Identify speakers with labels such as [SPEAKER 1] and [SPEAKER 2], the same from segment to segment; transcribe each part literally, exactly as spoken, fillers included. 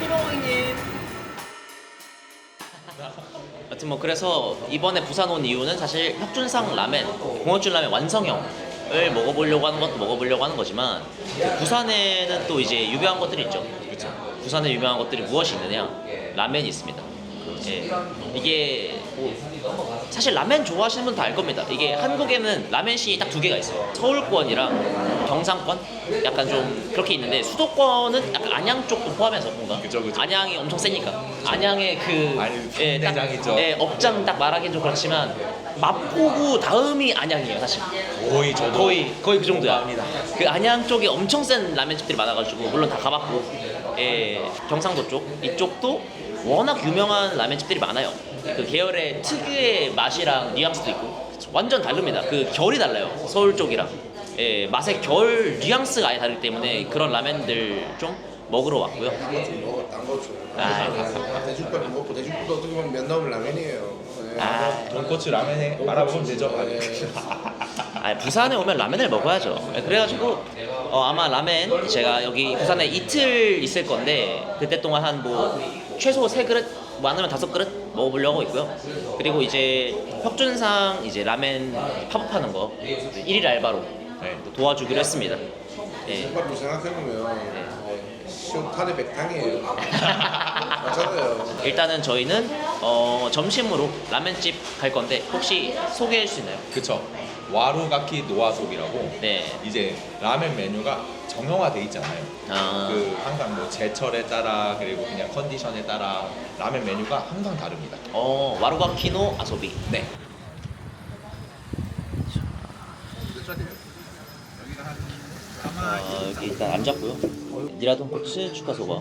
[SPEAKER 1] 안녕하십니까 고객님. 하여튼 뭐 그래서 이번에 부산 온 이유는 사실 혁준상 라멘, 공원줄 라멘 완성형을 먹어보려고 하는 것도 먹어보려고 하는 거지만 그 부산에는 또 이제 유명한 것들이 있죠. 그렇죠. 부산에 유명한 것들이 무엇이 있느냐? 라멘이 있습니다. 예. 이게 뭐 사실 라멘 좋아하시는 분 다 알 겁니다. 이게 한국에는 라멘씬이 딱 두 개가 있어요. 서울권이랑 경상권 약간 좀 그렇게 있는데 수도권은 약간 안양 쪽도 포함해서 뭔가
[SPEAKER 2] 그죠, 그죠.
[SPEAKER 1] 안양이 엄청 세니까 안양의 그
[SPEAKER 2] 아니,
[SPEAKER 1] 예, 딱,
[SPEAKER 2] 대장이죠.
[SPEAKER 1] 예, 업장 딱 말하기 좀 그렇지만 마포구 다음이 안양이에요 사실.
[SPEAKER 2] 거의 저도
[SPEAKER 1] 거의 거의 그 정도야.
[SPEAKER 2] 공감합니다.
[SPEAKER 1] 그 안양 쪽에 엄청 센 라면집들이 많아가지고 물론 다 가봤고, 예, 경상도 쪽 이쪽도 워낙 유명한 라면집들이 많아요. 그 계열의 특유의 맛이랑 뉘앙스도 있고 완전 다릅니다. 그 결이 달라요. 서울 쪽이랑. 예, 맛의 결 뉘앙스가 아예 다르기 때문에 그런 라면들 좀 먹으러 왔고요.
[SPEAKER 3] 먹어 딴거 줘.
[SPEAKER 1] 아,
[SPEAKER 3] 대죽밥을 먹고 대죽밥도 어떻게 보면 면 나오면 라면이에요. 네.
[SPEAKER 1] 아,
[SPEAKER 2] 돈코츠 라면에 말아먹으면 되죠.
[SPEAKER 1] 아, 부산에 오면 라면을 먹어야죠. 그래가지고 어, 아마 라멘 제가 여기 부산에 이틀 있을 건데 그때 동안 한 뭐 최소 세 그릇 많으면 다섯 그릇 먹어보려고 있고요. 그리고 이제 혁준상 이제 라멘 팝업하는 거 일일 알바로
[SPEAKER 2] 네.
[SPEAKER 1] 도와주기로 했습니다. 예.
[SPEAKER 3] 국밥도 생각해보면 어, 시원탄의 백탕이에요. 맞잖아요.
[SPEAKER 1] 일단은 저희는 어, 점심으로 라멘집 갈 건데 혹시 소개해 줄 수 있나요?
[SPEAKER 2] 그쵸. 와루가키 노아속이라고
[SPEAKER 1] 네.
[SPEAKER 2] 이제 라면 메뉴가 정형화돼 있잖아요.
[SPEAKER 1] 아,
[SPEAKER 2] 그 항상 뭐 제철에 따라 그리고 그냥 컨디션에 따라 라면 메뉴가 항상 다릅니다.
[SPEAKER 1] 어, 와루가키노 아소비.
[SPEAKER 2] 네.
[SPEAKER 1] 어, 여기 일단 앉았고요. 니라돈코츠 추가소바.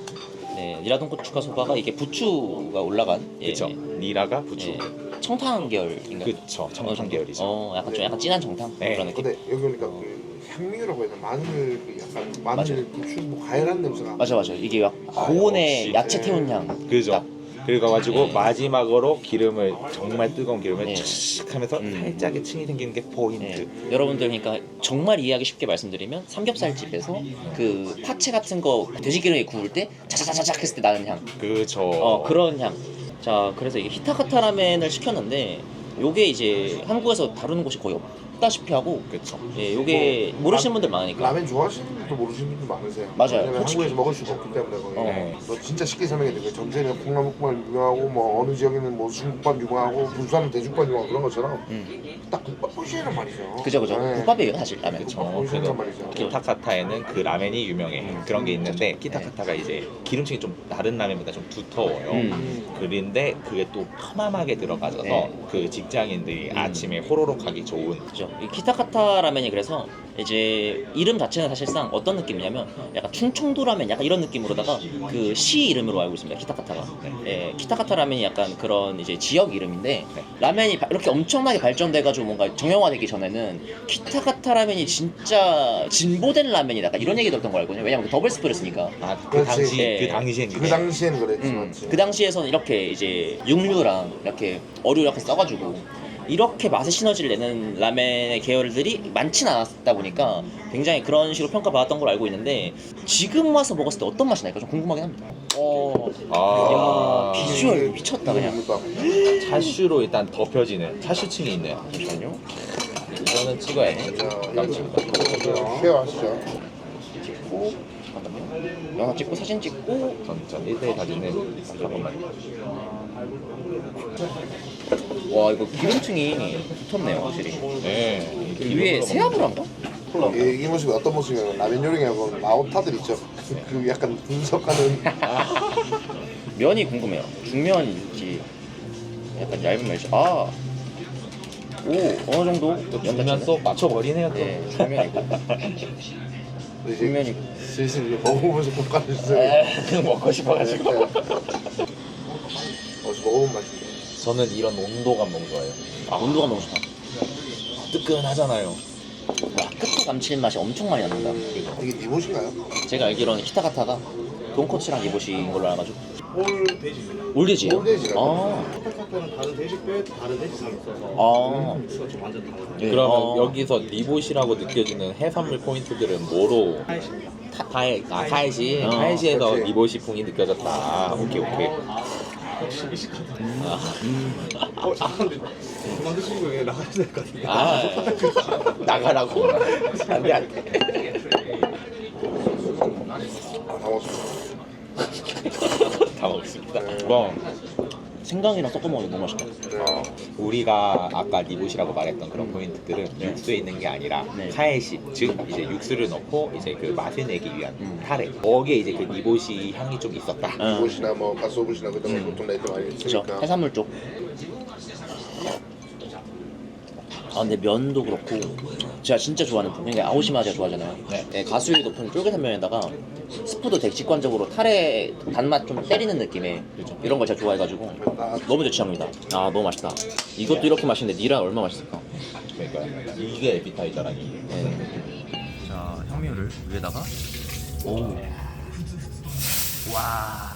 [SPEAKER 1] 네, 니라돈코츠 추가소바가 이게 부추가 올라간. 예,
[SPEAKER 2] 그쵸. 니라가
[SPEAKER 1] 예,
[SPEAKER 2] 부추.
[SPEAKER 1] 청탕 계열인가?
[SPEAKER 2] 그쵸. 청탕 계열이죠.
[SPEAKER 1] 어, 약간 좀 약간 진한 청탕
[SPEAKER 2] 네.
[SPEAKER 1] 그런 느낌.
[SPEAKER 3] 근데 여기 오니까 그 향미라고 해야 되나 마늘 그 약간 마늘 부추 뭐 과일한 냄새가.
[SPEAKER 1] 맞아 맞아. 이게 약 고온의
[SPEAKER 2] 역시.
[SPEAKER 1] 야채 태운 향.
[SPEAKER 2] 그죠.
[SPEAKER 1] 딱.
[SPEAKER 2] 그래가지고
[SPEAKER 1] 네.
[SPEAKER 2] 마지막으로 기름을 정말 뜨거운 기름을
[SPEAKER 1] 네.
[SPEAKER 2] 촥 하면서
[SPEAKER 1] 음.
[SPEAKER 2] 살짝의 층이 생기는 게 포인트.
[SPEAKER 1] 네. 여러분들 그러니까 정말 이해하기 쉽게 말씀드리면 삼겹살집에서 그 파채 같은 거 돼지 기름에 구울 때 자자자자작 했을 때 나는 향.
[SPEAKER 2] 그죠.
[SPEAKER 1] 어, 그런 향. 자, 그래서 이게 히타카타 라멘을 시켰는데 요게 이제 한국에서 다루는 곳이 거의 없다시피 하고,
[SPEAKER 2] 그쵸.
[SPEAKER 1] 예, 요게 모르시는 분들 많으니까.
[SPEAKER 3] 라면 좋아하시는 분도 모르시는 분도 많으세요.
[SPEAKER 1] 맞아요.
[SPEAKER 3] 왜냐면
[SPEAKER 1] 솔직히.
[SPEAKER 3] 한국에서 먹을 수가 없기 때문에 거기.
[SPEAKER 1] 어.
[SPEAKER 3] 너 진짜 쉽게 설명해 드릴게요. 전세는 콩나물국밥 유명하고 뭐 어느 지역에는 뭐 중국밥 유명하고 부산은 대죽밥 유명하고 그런 것처럼
[SPEAKER 1] 음.
[SPEAKER 3] 딱 국밥 포시란 말이죠.
[SPEAKER 1] 그죠, 그죠.
[SPEAKER 3] 네.
[SPEAKER 1] 국밥이에요, 사실 라면.
[SPEAKER 2] 그쵸.
[SPEAKER 1] 어,
[SPEAKER 3] 포시란
[SPEAKER 2] 그래서
[SPEAKER 3] 말이죠.
[SPEAKER 2] 키타카타에는 그 라멘이 유명해.
[SPEAKER 1] 음.
[SPEAKER 2] 그런 게 있는데
[SPEAKER 1] 네.
[SPEAKER 2] 키타카타가 이제 기름층이 좀 다른 라멘보다 좀 두터워요.
[SPEAKER 1] 음.
[SPEAKER 2] 그런데 그게 또 펌함하게 들어가져서
[SPEAKER 1] 네.
[SPEAKER 2] 그 직장인들이
[SPEAKER 1] 음.
[SPEAKER 2] 아침에 호로록 하기 좋은.
[SPEAKER 1] 그죠. 이 키타카타 라멘이 그래서 이제 이름 자체는 사실상 어떤 느낌이냐면 약간 충청도 라멘 약간 이런 느낌으로다가 그 시 이름으로 알고 있습니다. 키타카타가. 예, 키타카타 라멘이 약간 그런 이제 지역 이름인데
[SPEAKER 2] 네.
[SPEAKER 1] 라멘이 바- 이렇게 엄청나게 발전돼가지고 뭔가 정형화되기 전에는 키타카타 라멘이 진짜 진보된 라멘이다. 약간 이런 얘기 들었던 걸 알거든요. 왜냐면 그 더블 스프를 쓰니까.
[SPEAKER 2] 아, 그
[SPEAKER 3] 그렇지.
[SPEAKER 2] 당시
[SPEAKER 1] 예.
[SPEAKER 2] 그 당시엔
[SPEAKER 3] 그
[SPEAKER 2] 그래.
[SPEAKER 3] 당시엔 그랬지
[SPEAKER 1] 음,
[SPEAKER 3] 맞지.
[SPEAKER 1] 그 당시에서는 이렇게 이제 육류랑 이렇게 어류 이렇게 써가지고 이렇게 맛의 시너지를 내는 라멘의 계열들이 많진 않았다 보니까 굉장히 그런 식으로 평가받았던 걸 알고 있는데 지금 와서 먹었을 때 어떤 맛이 날까 좀 궁금하긴 합니다. 어,
[SPEAKER 2] 아,
[SPEAKER 1] 야, 비주얼 미쳤다 그냥.
[SPEAKER 2] 차슈로 일단 덮여지는 차슈층이 있네요.
[SPEAKER 1] 잠시만요.
[SPEAKER 2] 이거는 찍어야 돼. 깜찍하다.
[SPEAKER 3] 쉐어하시죠.
[SPEAKER 1] 찍고 잠깐만요. 영화 찍고 사진 찍고
[SPEAKER 2] 전전 일 대일 사진은 잠깐만.
[SPEAKER 1] 와 이거 기름층이 두텁네요 확실히.
[SPEAKER 2] 네.
[SPEAKER 1] 그 위에 새우를 한가?
[SPEAKER 3] 예, 이 모습이 어떤 모습이냐면 라면 요리하고 라오타들 있죠. 그 약간 분석하는
[SPEAKER 1] 면이 궁금해요. 중면인지 약간 얇은 면이 아. 오 어느 정도
[SPEAKER 2] 면속 맞춰버리네요 또.
[SPEAKER 1] 네 중면이고
[SPEAKER 3] 이제
[SPEAKER 1] 중면이고
[SPEAKER 3] 슬슬 이제 먹어보면서 평가를 주세요.
[SPEAKER 1] 에 먹고 싶어가지고.
[SPEAKER 3] 네. 어디서 먹어본 맛인데.
[SPEAKER 2] 저는 이런 온도감 너무 좋아해요.
[SPEAKER 1] 아 온도가 너무 좋다.
[SPEAKER 2] 뜨끈하잖아요.
[SPEAKER 1] 와 끝에 감칠맛이 엄청 많이 납니다.
[SPEAKER 3] 이게 니봇인가요?
[SPEAKER 1] 제가 알기로는 키타카타가 돈코츠랑 이보시인 걸로 알아가지고
[SPEAKER 4] 올 돼지입니다.
[SPEAKER 1] 올돼지요?
[SPEAKER 3] 올돼지라고.
[SPEAKER 1] 아,
[SPEAKER 4] 스펙카토는 다른 돼지뼈에 다른 돼지살이 있어서
[SPEAKER 1] 아.
[SPEAKER 4] 육수가 좀 완전 다르거든요.
[SPEAKER 1] 예.
[SPEAKER 5] 그러면
[SPEAKER 1] 어.
[SPEAKER 5] 여기서 리봇이라고 느껴지는 해산물 포인트들은 뭐로?
[SPEAKER 4] 하이십니다.
[SPEAKER 5] 타, 타이, 아, 타이시.
[SPEAKER 1] 어,
[SPEAKER 5] 타이시에서
[SPEAKER 3] 그렇지.
[SPEAKER 5] 리봇이 풍이 느껴졌다. 오케이, 오케이. 아,
[SPEAKER 4] 어, 잠깐만. 그만 드시고 그냥 나가야 될 것 같아요.
[SPEAKER 5] 아, 나가라고? 안 돼, 안 돼.
[SPEAKER 3] 아, 다 먹었습니다.
[SPEAKER 5] 다 먹습니다. 뭐,
[SPEAKER 1] 생강이랑 섞어 먹으면 너무 맛있다.
[SPEAKER 3] 네.
[SPEAKER 5] 우리가 아까 리봇이라고 말했던 그런 포인트들은 육수에 있는 게 아니라
[SPEAKER 1] 네.
[SPEAKER 5] 카에시, 즉 이제 육수를 넣고 이제 그 맛을 내기 위한
[SPEAKER 1] 음.
[SPEAKER 5] 타레. 거기에 이제 그 리봇이 향이 좀 있었다.
[SPEAKER 1] 응.
[SPEAKER 3] 이곳이나 뭐 가스오브시나 그런 거
[SPEAKER 1] 음.
[SPEAKER 3] 보통 레드 많이
[SPEAKER 1] 그죠.
[SPEAKER 3] 있으니까.
[SPEAKER 1] 해산물 쪽. 아 근데 면도 그렇고 제가 진짜 좋아하는 분, 그러니까 아오시마 제가 좋아하잖아요.
[SPEAKER 5] 네.
[SPEAKER 1] 네, 가수율이 높은 쫄깃한 면에다가 스프도 되게 직관적으로 타레 단맛 좀 때리는 느낌의 이런 걸 제가 좋아해가지고 너무 제 취향입니다. 아 너무 맛있다. 이것도 이렇게 맛있는데 니라 얼마나 맛있을까?
[SPEAKER 5] 그러니까 이게 에피타이저라니.
[SPEAKER 1] 네. 자 향미를 위에다가 오. 와.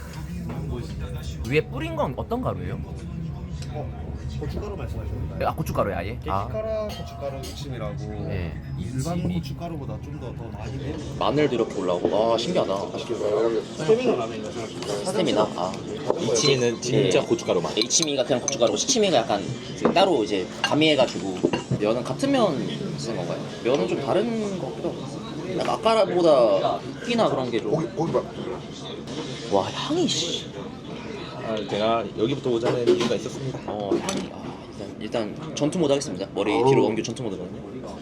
[SPEAKER 1] 위에 뿌린 건 어떤 가루예요?
[SPEAKER 4] 고춧가루 말씀하셨나요?
[SPEAKER 1] 아 고춧가루야 아예? 아.
[SPEAKER 4] 게시카라 고춧가루 무침이라고
[SPEAKER 1] 네.
[SPEAKER 4] 일반 고춧가루보다 좀 더 더 많이 내.
[SPEAKER 1] 마늘도 이렇게 올라오고 와 신기하다.
[SPEAKER 4] 스테미너 라면이라고 생각하시면
[SPEAKER 1] 스테미나? 아.
[SPEAKER 5] 이치는 진짜
[SPEAKER 1] 네.
[SPEAKER 5] 고춧가루 맛.
[SPEAKER 1] 이치미가 그냥 고춧가루고 시치미가 약간 이제 따로 이제 가미해가지고 면은 같은 면 쓰는 건가요? 면은 좀 다른 것 같기도 하고 약간 아까보다 끼나 그런 게 좀
[SPEAKER 3] 고기 고기 밥.
[SPEAKER 1] 와 향이 씨.
[SPEAKER 5] 아, 제가 여기부터 오자는 이유가 있었습니다.
[SPEAKER 1] 어 향이 아, 일단 일단 전투 모드 하겠습니다. 머리
[SPEAKER 3] 어우.
[SPEAKER 1] 뒤로 넘겨 전투 모드거든요.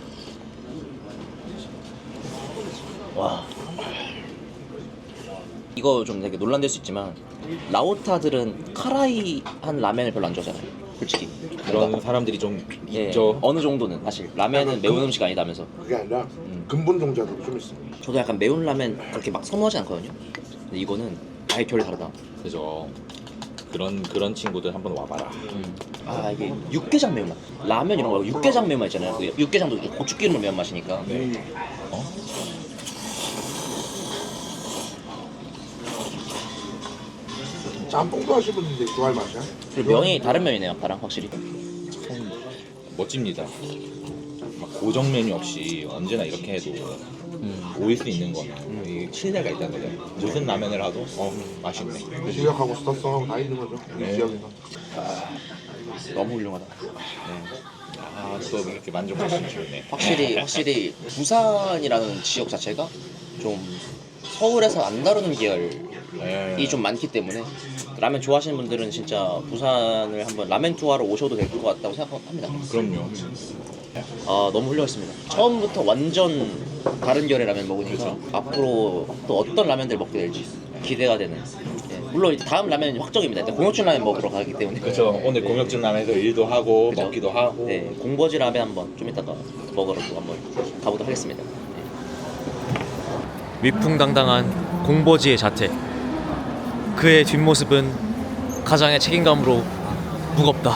[SPEAKER 1] 와 이거 좀 되게 논란될 수 있지만 라오타들은 카라이한 라멘을 별로 안 좋아하잖아요. 솔직히
[SPEAKER 5] 그런 사람들이 좀
[SPEAKER 1] 예,
[SPEAKER 5] 있죠.
[SPEAKER 1] 어느 정도는 사실 라멘은 매운 음식 아니다면서.
[SPEAKER 3] 그게 아니라
[SPEAKER 1] 음.
[SPEAKER 3] 근본 종자도 좀 있어.
[SPEAKER 1] 저도 약간 매운 라멘 그렇게 막 선호하지 않거든요. 근데 이거는 아예 결이 다르다.
[SPEAKER 5] 그죠. 그런 그런 친구들 한번 와봐라.
[SPEAKER 1] 음. 아 이게 육개장 매운맛. 라면 이런 거 말고 육개장 매운맛 있잖아요. 그 육개장도 이렇게 고추기름을 매운맛이니까.
[SPEAKER 5] 네.
[SPEAKER 1] 어?
[SPEAKER 3] 짬뽕도 하시는 분들 좋아할 맛이야.
[SPEAKER 1] 그리고 면이 다른 면이네요. 아까랑 확실히.
[SPEAKER 5] 참 멋집니다. 막 고정 메뉴 없이 언제나 이렇게 해도
[SPEAKER 1] 음.
[SPEAKER 5] 모일 수 있는 건 이 신뢰가 있다는 거죠. 무슨 라면을 하도 어 맛있네.
[SPEAKER 3] 실력하고 스타성하고 다 있는 거죠. 이
[SPEAKER 5] 네.
[SPEAKER 3] 지역에서.
[SPEAKER 1] 너무 훌륭하다.
[SPEAKER 5] 아또 이렇게 만족할 수 있네.
[SPEAKER 1] 확실히 확실히 부산이라는 지역 자체가 좀 서울에서 안 다루는 계열이
[SPEAKER 5] 네.
[SPEAKER 1] 좀 많기 때문에 라면 좋아하시는 분들은 진짜 부산을 한번 라멘 투어하러 오셔도 될 것 같다고 생각합니다.
[SPEAKER 5] 그럼요.
[SPEAKER 1] 아 너무 훌륭했습니다. 처음부터 완전 다른 결의 라면 먹으니까 앞으로 또 어떤 라면들 먹게 될지 기대가 되는. 예, 물론 이제 다음 라면은 확정입니다. 일단 공혁준 라면 먹으러 가기 때문에.
[SPEAKER 5] 그렇죠. 오늘 공혁준 라면에서 일도 하고
[SPEAKER 1] 그죠?
[SPEAKER 5] 먹기도 하고.
[SPEAKER 1] 네, 공버지 라면 한번 좀 이따가 먹으러 또 한번 가보도록 하겠습니다. 네. 위풍당당한 공버지의 자태. 그의 뒷모습은 가장의 책임감으로 무겁다.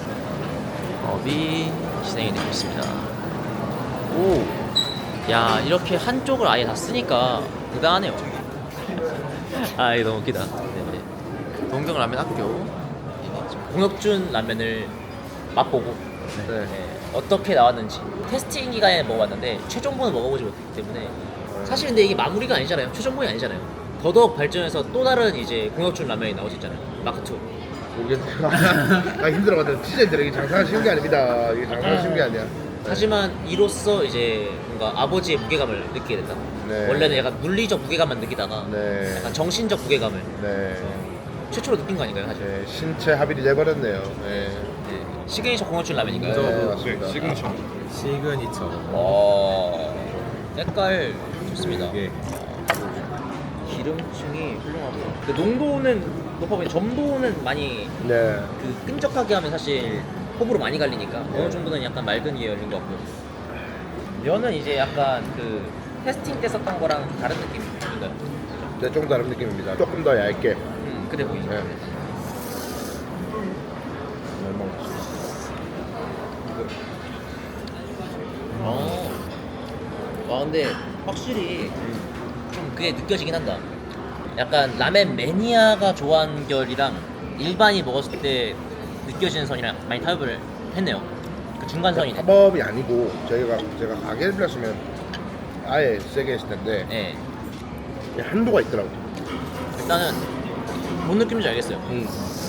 [SPEAKER 1] 업이 진행이 되고 있습니다. 오, 야 이렇게 한쪽을 아예 다 쓰니까 대단하네요. 아 이거 너무 웃기다. 네네. 동경 라면 학교 공혁준 라면을 맛보고 네. 어떻게 나왔는지 테스팅 기간에 먹어봤는데 최종본을 먹어보지 못했기 때문에 사실 근데 이게 마무리가 아니잖아요. 최종본이 아니잖아요. 더더욱 발전해서 또 다른 이제 공혁준 라면이 나올 수 있잖아요. 마크 투.
[SPEAKER 3] 모르겠어요. 아 힘들어가지고 진짜 힘들어. 이게 장사가 쉬운 게 아닙니다. 이게 장사가 쉬운 게 아니야.
[SPEAKER 1] 하지만 이로써 이제 뭔가 아버지의 무게감을 느끼게 된다.
[SPEAKER 3] 네.
[SPEAKER 1] 원래는 약간 물리적 무게감만 느끼다가
[SPEAKER 3] 네.
[SPEAKER 1] 약간 정신적 무게감을
[SPEAKER 3] 네.
[SPEAKER 1] 최초로 느낀 거 아닌가요, 사실?
[SPEAKER 3] 네. 신체 합일이 돼버렸네요. 네.
[SPEAKER 1] 네. 시그니처 공허춘 라면인가요?
[SPEAKER 3] 네, 맞습니다.
[SPEAKER 4] 시그니처. 시그니처.
[SPEAKER 1] 어, 색깔 좋습니다.
[SPEAKER 5] 이게
[SPEAKER 1] 기름층이 훌륭하고요. 그 농도는 높아 보이는 점도는 많이
[SPEAKER 3] 네.
[SPEAKER 1] 그 끈적하게 하면 사실 호불호 많이 갈리니까 어느 정도는 약간 맑은 계열인 것 같고요. 면은 이제 약간 그 테스팅 때 썼던 거랑 다른 느낌인가요?
[SPEAKER 3] 네, 조금 다른 느낌입니다. 조금 더 얇게.
[SPEAKER 1] 음, 그래 보이죠.
[SPEAKER 3] 네.
[SPEAKER 1] 어. 와 근데 확실히 좀 그게 느껴지긴 한다. 약간 라멘 매니아가 좋아하는 결이랑 일반이 먹었을 때 느껴지는 선이랑 많이 타협을 했네요. 그 중간선이네.
[SPEAKER 3] 팝업이 아니고 저희가 제가 가게를 빌렸으면 아예 세게 했을 텐데
[SPEAKER 1] 네.
[SPEAKER 3] 한도가 있더라고.
[SPEAKER 1] 일단은 뭔 느낌인지 알겠어요.
[SPEAKER 3] 음.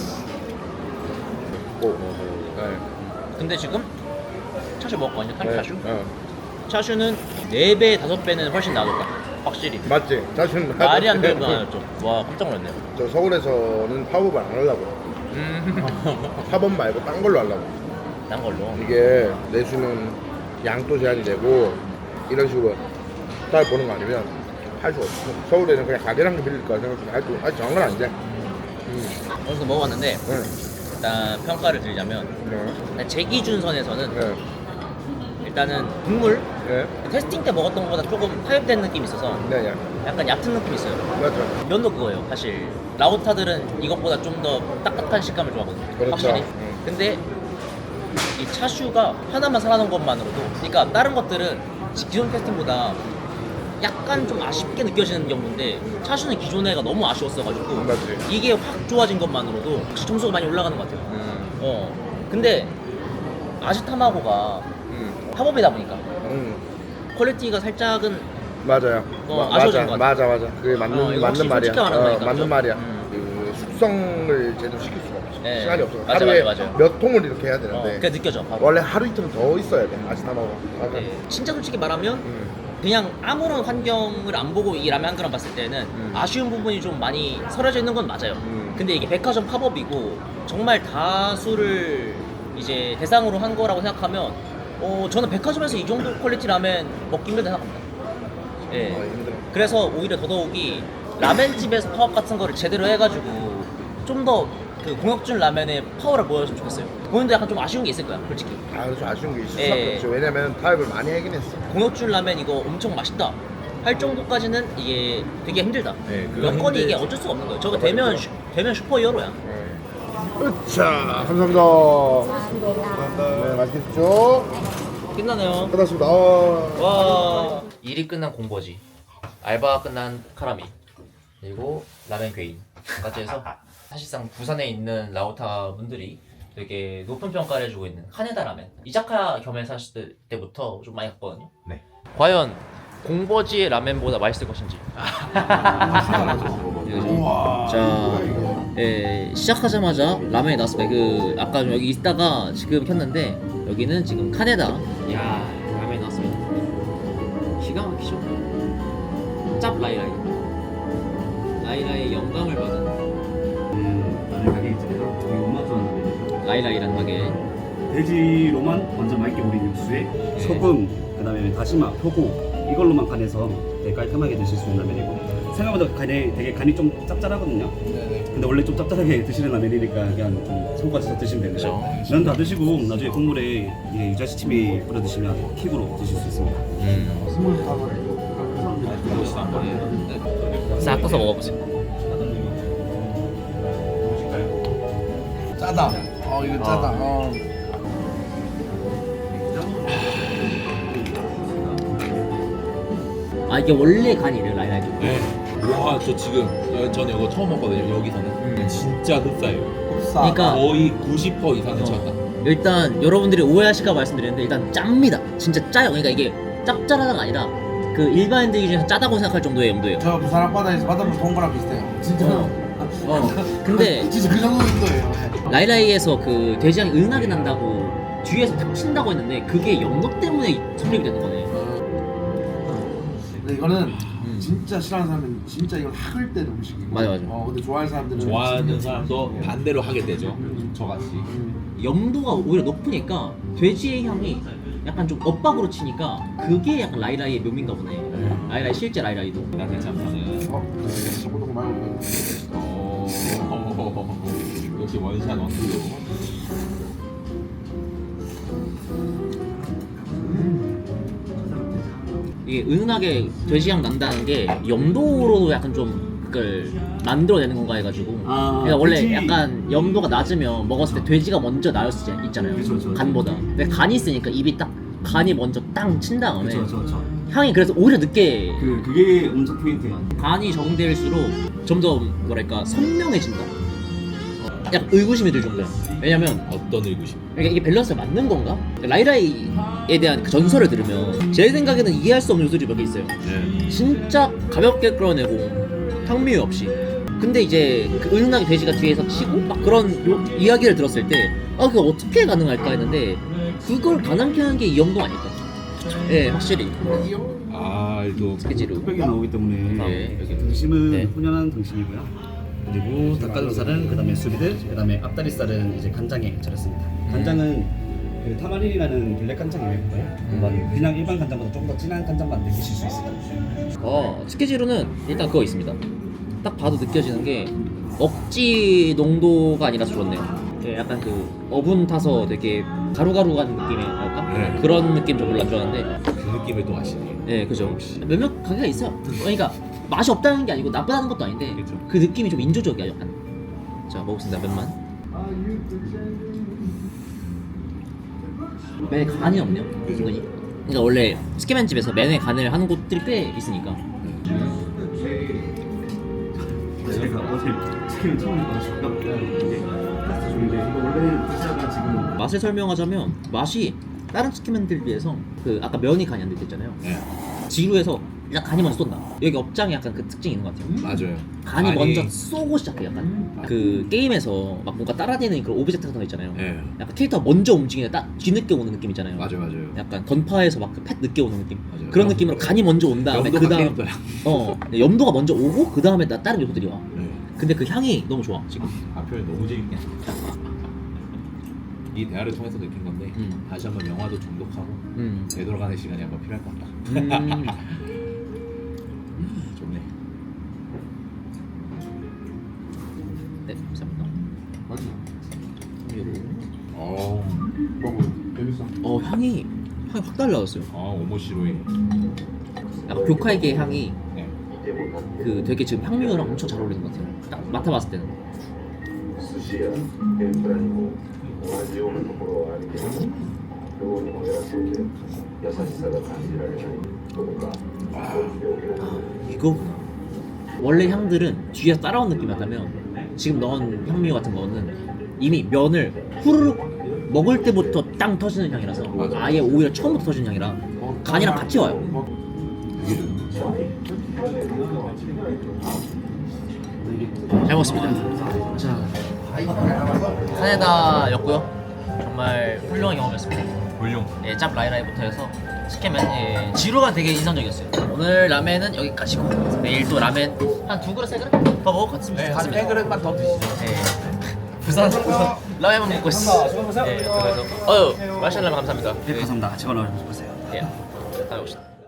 [SPEAKER 3] 오. 네.
[SPEAKER 1] 근데 지금 차슈 먹었거든요.
[SPEAKER 3] 네.
[SPEAKER 1] 차슈.
[SPEAKER 3] 어.
[SPEAKER 1] 차슈는 네 배, 다섯 배는 훨씬 나았다. 확실히.
[SPEAKER 3] 맞지? 자신
[SPEAKER 1] 말이 안 되는 거 아니었죠. 와, 깜짝 놀랐네요.
[SPEAKER 3] 저 서울에서는 팝업을 안 하려고.
[SPEAKER 1] 음.
[SPEAKER 3] 팝업 말고 딴 걸로 하려고.
[SPEAKER 1] 난 걸로.
[SPEAKER 3] 이게 내수는 양도 제한이 되고 이런 식으로 딸 보는 거 아니면 할 수 없어. 서울에는 그냥 가게랑 빌릴 거야 생각해. 아직 아직 정한 건 아닌데. 음.
[SPEAKER 1] 어디서 먹어봤는데
[SPEAKER 3] 네.
[SPEAKER 1] 일단 평가를 드리자면
[SPEAKER 3] 네.
[SPEAKER 1] 일단 제 기준선에서는
[SPEAKER 3] 네.
[SPEAKER 1] 일단은 국물
[SPEAKER 3] 네.
[SPEAKER 1] 테스팅 때 먹었던 것보다 조금 타협된 느낌이 있어서
[SPEAKER 3] 네. 네.
[SPEAKER 1] 약간 얕은 느낌이 있어요.
[SPEAKER 3] 맞죠.
[SPEAKER 1] 면도 그거예요. 사실 라우타들은 이것보다 좀 더 딱딱한 식감을 좋아하거든요.
[SPEAKER 3] 그렇죠.
[SPEAKER 1] 확실히.
[SPEAKER 3] 음.
[SPEAKER 1] 근데 이 차슈가 하나만 살아난 것만으로도, 그러니까 다른 것들은 기존 테스팅보다 약간 좀 아쉽게 느껴지는 경우인데 차슈는 기존 애가 너무 아쉬웠어가지고
[SPEAKER 3] 맞지.
[SPEAKER 1] 이게 확 좋아진 것만으로도 혹시 점수가 많이 올라가는 것 같아요.
[SPEAKER 3] 음.
[SPEAKER 1] 어. 근데 아시타마고가
[SPEAKER 3] 음.
[SPEAKER 1] 팝업이다 보니까
[SPEAKER 3] 음.
[SPEAKER 1] 퀄리티가 살짝은
[SPEAKER 3] 맞아요.
[SPEAKER 1] 어,
[SPEAKER 3] 마-
[SPEAKER 1] 아쉬워진
[SPEAKER 3] 맞아,
[SPEAKER 1] 것
[SPEAKER 3] 맞아, 맞아. 그게 맞는
[SPEAKER 1] 어, 이거
[SPEAKER 3] 맞는
[SPEAKER 1] 확실히
[SPEAKER 3] 말이야.
[SPEAKER 1] 솔직하게 말하는
[SPEAKER 3] 어,
[SPEAKER 1] 거니까,
[SPEAKER 3] 맞는
[SPEAKER 1] 그죠?
[SPEAKER 3] 말이야.
[SPEAKER 1] 음.
[SPEAKER 3] 그 숙성을 제대로 시킬 수가 없어.
[SPEAKER 1] 네.
[SPEAKER 3] 시간이 없어.
[SPEAKER 1] 맞아,
[SPEAKER 3] 하루에
[SPEAKER 1] 맞아, 맞아.
[SPEAKER 3] 몇 통을 이렇게 해야
[SPEAKER 1] 어,
[SPEAKER 3] 되는데
[SPEAKER 1] 그게 느껴져. 바로.
[SPEAKER 3] 원래 하루 이틀은 더 있어야 돼. 아시타마고. 맞아.
[SPEAKER 1] 네. 진짜 솔직히 말하면
[SPEAKER 3] 음.
[SPEAKER 1] 그냥 아무런 환경을 안 보고 이 라면 한 그릇 봤을 때는
[SPEAKER 3] 음.
[SPEAKER 1] 아쉬운 부분이 좀 많이 서려져 있는 건 맞아요.
[SPEAKER 3] 음.
[SPEAKER 1] 근데 이게 백화점 팝업이고 정말 다수를 이제 대상으로 한 거라고 생각하면 어 저는 백화점에서 이 정도 퀄리티 라면 먹기 힘들다 생각합니다. 예.
[SPEAKER 3] 어, 힘들어.
[SPEAKER 1] 그래서 오히려 더더욱이 라멘집에서 파업 같은 거를 제대로 해가지고 좀 더 그 공혁준 라면의 파워를 보여줬으면 좋겠어요. 본인도 약간 좀 아쉬운 게 있을 거야, 솔직히.
[SPEAKER 3] 아, 그래서 아쉬운 게 있을
[SPEAKER 1] 예.
[SPEAKER 3] 수밖에 없죠. 왜냐면 타협을 많이 하긴 했어.
[SPEAKER 1] 공혁준 라면 이거 엄청 맛있다 할 정도까지는 이게 되게 힘들다.
[SPEAKER 5] 네, 그건
[SPEAKER 1] 여건이 이게
[SPEAKER 5] 힘들지.
[SPEAKER 1] 어쩔 수가 없는 거예요. 저거 되면 슈, 되면 슈퍼 히어로야.
[SPEAKER 3] 자, 감사합니다. 네, 맛있게 드십시오.
[SPEAKER 1] 끝나네요.
[SPEAKER 3] 끝났습니다. 아.
[SPEAKER 1] 와. 일이 끝난 공버지, 알바가 끝난 카라미, 그리고 라멘 괴인까지 해서 사실상 부산에 있는 라오타 분들이 되게 높은 평가를 해주고 있는 카네다 라멘, 이자카야 겸해서 하실 때부터 좀 많이 갔거든요.
[SPEAKER 5] 네.
[SPEAKER 1] 과연 공버지의 라멘보다 맛있을 것인지.
[SPEAKER 3] 우와.
[SPEAKER 1] 자, 예, 시작하자마자 라면이 나왔습니다. 그 아까 좀 여기 있다가 지금 켰는데 여기는 지금 카네다. 야, 라면이 나왔습니다. 기가 막히죠. 짭 라이라이. 라이라이의 영감을 받은
[SPEAKER 6] 라면 가게 있잖아요. 여기 엄마 좋아하는 데죠.
[SPEAKER 1] 라이라이라는 가게.
[SPEAKER 6] 돼지로만 완전 맑게 우린 육수에
[SPEAKER 1] 네.
[SPEAKER 6] 소금, 그다음에 다시마, 표고 이걸로만 간해서 되게 깔끔하게 드실 수 있는 라면이고 생각보다 간이 되게 간이 좀 짭짤하거든요.
[SPEAKER 3] 네네.
[SPEAKER 6] 근데 원래 좀 짭짤하게 드시는 라면이니까 그냥 좀 손까지 드시면 됩니다. 면 다 드시고 나중에 국물에 이 유자시침이 뿌려 드시면 킥으로 드실 수 있습니다.
[SPEAKER 1] 싹 떠서 먹어보세요.
[SPEAKER 3] 짜다. 어, 이거 짜다. 어.
[SPEAKER 1] 아, 이게 원래 간이 이래요, 라이라이.
[SPEAKER 5] 네. 와, 저 지금 여- 저는 이거 처음 먹거든요. 여기서는 진짜 흡사해요.
[SPEAKER 1] 그러니까
[SPEAKER 5] 거의 구십 퍼센트 이상은 차다.
[SPEAKER 1] 일단 여러분들이 오해하실까 말씀드리는데 일단 짭니다. 진짜 짜요. 그러니까 이게 짭짤하다가 아니라 그 일반인들 기준에서 짜다고 생각할 정도의 염도예요.
[SPEAKER 3] 저 부산 앞바다에서 바닷물 본 거랑 비슷해요. 진짜.
[SPEAKER 1] 어. 근데
[SPEAKER 3] 진짜 그 정도 정도예요.
[SPEAKER 1] 라이라이에서 그 돼지향이 은하게 난다고 뒤에서 탁 친다고 했는데 그게 염도 때문에 성립이 되는 거네.
[SPEAKER 3] 근데 이거는
[SPEAKER 1] 음.
[SPEAKER 3] 진짜 싫어하는 사람은 진짜 이걸 학을 때는 음식이고.
[SPEAKER 1] 맞아, 맞아.
[SPEAKER 3] 어, 근데 좋아하는 사람들은
[SPEAKER 5] 좋아하는 사람도 반대로 하게 되죠. 저같이.
[SPEAKER 1] 염도가 오히려 높으니까 돼지의 향이 약간 좀 엇박으로 치니까 그게 약간 라이라이의 묘미인가 보네. 라이라이 실제 라이라이도.
[SPEAKER 5] 나 괜찮다는.
[SPEAKER 3] 어, 저보다 말고.
[SPEAKER 5] 어, 역시 원샷 원투.
[SPEAKER 1] 이게 은은하게 돼지향 난다는 게 염도로도 약간 좀 그걸 만들어내는 건가 해가지고.
[SPEAKER 6] 아,
[SPEAKER 1] 그러니까 원래
[SPEAKER 6] 돼지-
[SPEAKER 1] 약간 염도가 낮으면 먹었을 때 돼지가 먼저 나올 수 있잖아요.
[SPEAKER 6] 그쵸, 그쵸, 그쵸.
[SPEAKER 1] 간보다. 근데 간이 있으니까 입이 딱 간이 먼저 땅 친 다음에
[SPEAKER 6] 그렇죠, 그렇죠.
[SPEAKER 1] 향이 그래서 오히려 늦게
[SPEAKER 6] 그 그게 엄청 포인트야.
[SPEAKER 1] 간이 적응될수록 좀 더 뭐랄까 선명해진다. 약간 의구심이 들 정도야. 왜냐면
[SPEAKER 5] 어떤 의구심?
[SPEAKER 1] 그러니까 이게 밸런스가 맞는 건가? 라이라이에 대한 그 전설을 들으면 제 생각에는 이해할 수 없는 요소들이 몇 개 있어요.
[SPEAKER 5] 네.
[SPEAKER 1] 진짜 가볍게 끌어내고 향미유 없이. 근데 이제 그 은은하게 돼지가 뒤에서 치고 막 그런 요, 이야기를 들었을 때 아 그게 어떻게 가능할까 했는데 그걸 가능케 하는 게 이 영동 아닐까? 예, 확실히.
[SPEAKER 5] 아, 또
[SPEAKER 1] 스케치로.
[SPEAKER 6] 흑백이 나오기 때문에
[SPEAKER 1] 네.
[SPEAKER 6] 여기 등심은
[SPEAKER 1] 네.
[SPEAKER 6] 훈연한 등심이고요. 그리고 닭가슴살은 그다음에 수비드, 그다음에 앞다리살은 이제 간장에 절였습니다. 간장은 그 타마린이라는 블랙 간장이고요. 음. 그냥 일반 간장보다 조금 더 진한 간장만 느끼실 수 있습니다.
[SPEAKER 1] 어, 스케치로는 일단 그거 있습니다. 딱 봐도 느껴지는 게 억지 농도가 아니라서 좋네요. 예, 약간 그 어분 타서 되게 가루가루한 느낌의 할까?
[SPEAKER 5] 네.
[SPEAKER 1] 그런 느낌 좀 별로 안 좋아하는데
[SPEAKER 5] 그 느낌을 또 아시네.
[SPEAKER 1] 예, 그죠. 몇몇 가게가 있어요. 그러니까 맛이 없다는 게 아니고 나쁘다는 것도 아닌데
[SPEAKER 5] 그죠.
[SPEAKER 1] 그 느낌이 좀 인조적이야 약간. 자, 먹겠습니다. 면만. 면에 간이 없네요. 은근히. 그러니까 원래 스키맨 집에서 면에 간을 하는 곳들이 꽤 있으니까.
[SPEAKER 6] 제가 어제 치킨을 처음 먹어서 이게 파스타 좋은데 이거 원래는 피자가 지금
[SPEAKER 1] 맛을 설명하자면 맛이 다른 치킨맨들 비해서 그 아까 면이 간이 안 들었잖아요.
[SPEAKER 5] 네.
[SPEAKER 1] 지루해서 일단 간이 먼저 쏜다. 여기 업장에 약간 그 특징이 있는 것 같아요.
[SPEAKER 5] 맞아요.
[SPEAKER 1] 간이 먼저 쏘고 시작해 약간. 그 게임에서 막 뭔가 따라다니는 그런 오브젝트 같은 거 있잖아요.
[SPEAKER 5] 네.
[SPEAKER 1] 약간 캐릭터가 먼저 움직이는데 딱 뒤늦게 오는 느낌 있잖아요.
[SPEAKER 5] 맞아요, 맞아요.
[SPEAKER 1] 약간 건파에서 막 그 팻 늦게 오는 느낌.
[SPEAKER 5] 맞아요.
[SPEAKER 1] 그런 느낌으로 간이 먼저 온 다음에
[SPEAKER 5] 염도가
[SPEAKER 1] 그 다음
[SPEAKER 5] 캐릭터야.
[SPEAKER 1] 어 네, 염도가 먼저 오고 그 다음에 나 다른 요소들이 와.
[SPEAKER 5] 네.
[SPEAKER 1] 근데 그 향이 너무 좋아 지금.
[SPEAKER 5] 아, 표현 너무 재밌게. 이 대화를 통해서 느낀 건데
[SPEAKER 1] 음.
[SPEAKER 5] 다시 한번 영화도 중독하고
[SPEAKER 1] 음.
[SPEAKER 5] 되돌아가는 시간이 한번 필요할 것 같다.
[SPEAKER 1] 음.
[SPEAKER 5] 좋네.
[SPEAKER 1] 네, 감사합니다. 요거.
[SPEAKER 5] 어,
[SPEAKER 3] 먹어. 재밌어.
[SPEAKER 1] 어 향이 향이 확 달라졌어요.
[SPEAKER 5] 아, 오모시로이.
[SPEAKER 1] 약간 교카이게 향이
[SPEAKER 5] 네.
[SPEAKER 1] 그 되게 지금 향미유랑 엄청 잘 어울리는 것 같아요. 딱 맡아봤을 때는.
[SPEAKER 7] 寿司や天ぷらにも同じようなところはあるけれど量にも偉そうで優しさが感じられないどこかそういう病気が
[SPEAKER 1] 이거구나. 원래 향들은 뒤에서 따라온 느낌이었다면 지금 넣은 향미유 같은 거는 이미 면을 후루룩 먹을 때부터 땅 터지는 향이라서 아예 오히려 처음부터 터지는 향이라 간이랑 같이 와요. 잘 먹었습니다. 자, 카네다였고요. 정말 훌륭한 경험이었습니다.
[SPEAKER 5] 훌륭.
[SPEAKER 1] 예, 짭 라이라이부터 해서 스케맨 예, 지루가 되게 인상적이었어요. 오늘 라멘은 여기까지고 내일 또 라멘 한 두 그릇 세 그릇 더 먹을 것 같습니다.
[SPEAKER 2] 네, 한 세 그릇만 더 드시죠.
[SPEAKER 1] 예. 부산 부산 라면만 먹고 있어. 예, 그래서 어유 마샬라면 감사합니다.
[SPEAKER 6] 네, 감사합니다. 제가 나와주세요.
[SPEAKER 1] 예, 다녀오시다.